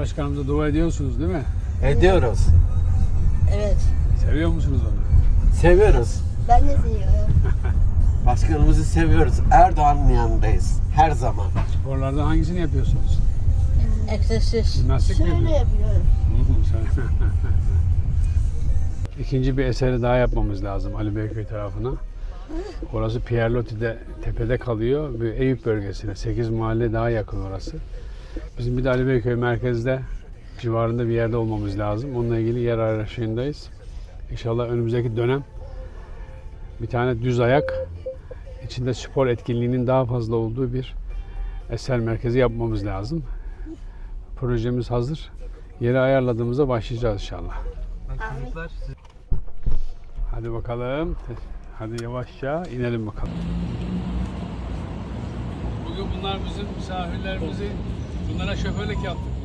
Başkanımıza dua ediyorsunuz değil mi? Ediyoruz. Evet. Seviyor musunuz onu? Seviyoruz. Ben de seviyorum. Başkanımızı seviyoruz. Erdoğan'ın yanındayız. Her zaman. Sporlardan hangisini yapıyorsunuz? Egzersiz. Jimnastik mi Şöyle yapıyorsunuz? yapıyorum. İkinci bir eseri daha yapmamız lazım Ali Beyköy tarafına. Orası Pierlotti'de tepede kalıyor. Bir Eyüp bölgesine. 8 mahalle daha yakın orası. Bizim bir de Ali Beyköy merkezde civarında bir yerde olmamız lazım. Onunla ilgili yer arayışındayız. İnşallah önümüzdeki dönem bir tane düz ayak içinde spor etkinliğinin daha fazla olduğu bir eser merkezi yapmamız lazım. Projemiz hazır. Yeri ayarladığımızda başlayacağız inşallah. Hadi bakalım. Hadi yavaşça inelim bakalım. Bugün bunlar bizim misafirlerimizi, bunlara şoförlük yaptık.